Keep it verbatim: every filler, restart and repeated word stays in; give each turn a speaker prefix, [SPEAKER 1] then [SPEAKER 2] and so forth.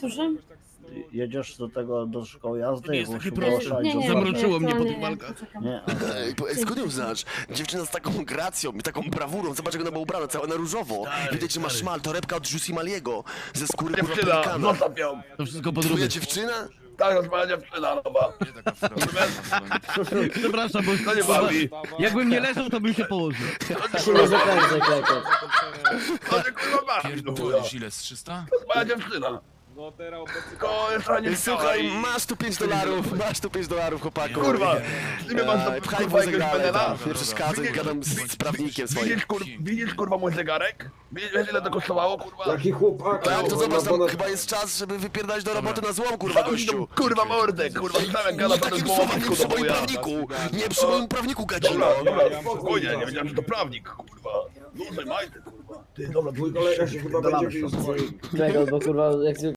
[SPEAKER 1] Słucham?
[SPEAKER 2] Jedziesz do tego, do szkoły jazdy?
[SPEAKER 3] To nie jest
[SPEAKER 2] bo
[SPEAKER 3] takie
[SPEAKER 2] się
[SPEAKER 3] proste.
[SPEAKER 2] ogłaszać,
[SPEAKER 1] Nie,
[SPEAKER 2] że-
[SPEAKER 1] nie,
[SPEAKER 3] Zamroczyło
[SPEAKER 1] nie,
[SPEAKER 3] mnie po
[SPEAKER 1] nie,
[SPEAKER 3] tych
[SPEAKER 1] nie,
[SPEAKER 3] walkach.
[SPEAKER 1] poczekam.
[SPEAKER 2] Nie, a-
[SPEAKER 4] Ej, po- ej, skąd ją znasz? Dziewczyna z taką gracją i taką brawurą. Zobacz, jak ona była ubrana, cała na różowo.
[SPEAKER 3] Stary,
[SPEAKER 4] Widać, że ma
[SPEAKER 3] stary.
[SPEAKER 4] szmal, torebka od Jussi Maliego. Ze skóry kurwa
[SPEAKER 5] Dziewczyna,
[SPEAKER 4] pelikana.
[SPEAKER 5] zostaw ją.
[SPEAKER 3] To wszystko po
[SPEAKER 4] Twoja
[SPEAKER 3] drugie.
[SPEAKER 4] dziewczyna?
[SPEAKER 5] Tak, to jest moja dziewczyna nowa.
[SPEAKER 3] Przepraszam, bo
[SPEAKER 5] To nie bawi.
[SPEAKER 3] jakbym nie leżał, to bym się położył.
[SPEAKER 2] się nie zakręcaj, klekot.
[SPEAKER 5] To się kurwa bawi. no, chuja.
[SPEAKER 6] Pierdolisz ile z trzysta?
[SPEAKER 5] To jest moja dziewczyna.
[SPEAKER 7] No teraz obecnie...
[SPEAKER 5] Tylko jeszcze nie
[SPEAKER 4] Słuchaj,
[SPEAKER 5] widziała i-
[SPEAKER 4] masz tu pięć dolarów, masz tu pięć dolarów, chłopaku.
[SPEAKER 5] Kurwa, ty mnie masz
[SPEAKER 4] Ej,
[SPEAKER 5] do
[SPEAKER 4] Pchaj
[SPEAKER 5] kurwa
[SPEAKER 4] wózek
[SPEAKER 5] jakiegoś
[SPEAKER 4] dalej,
[SPEAKER 5] penela?
[SPEAKER 4] tam, nie przeszkadzaj, gadam z, z prawnikiem swoim.
[SPEAKER 5] Widzisz, kur... Widzisz kurwa mój zegarek? Widzisz ile to kosztowało kurwa?
[SPEAKER 8] Jaki chłopak?
[SPEAKER 4] Tak, to
[SPEAKER 8] on
[SPEAKER 4] zobacz,
[SPEAKER 8] ma
[SPEAKER 4] tam
[SPEAKER 8] ponad-
[SPEAKER 4] chyba jest czas, żeby wypierdać do roboty na złom, kurwa,
[SPEAKER 5] Zamknij tą,
[SPEAKER 4] gościu.
[SPEAKER 5] kurwa mordę, kurwa słyszałem jak gada
[SPEAKER 4] Nie
[SPEAKER 5] pan
[SPEAKER 4] takim
[SPEAKER 5] z
[SPEAKER 4] słowem, nie
[SPEAKER 5] do
[SPEAKER 4] przy moim
[SPEAKER 5] chuja.
[SPEAKER 4] prawniku. Nie przy moim prawniku, gadzino.
[SPEAKER 5] Dobra, dobra, spokojnie, nie wiedziałem, że to prawnik, kurwa. Dłużej majty, kurwa. Ty, dobra,
[SPEAKER 8] Mój kolega się chyba będzie bił z twoim.
[SPEAKER 2] Klekot, bo kurwa, jak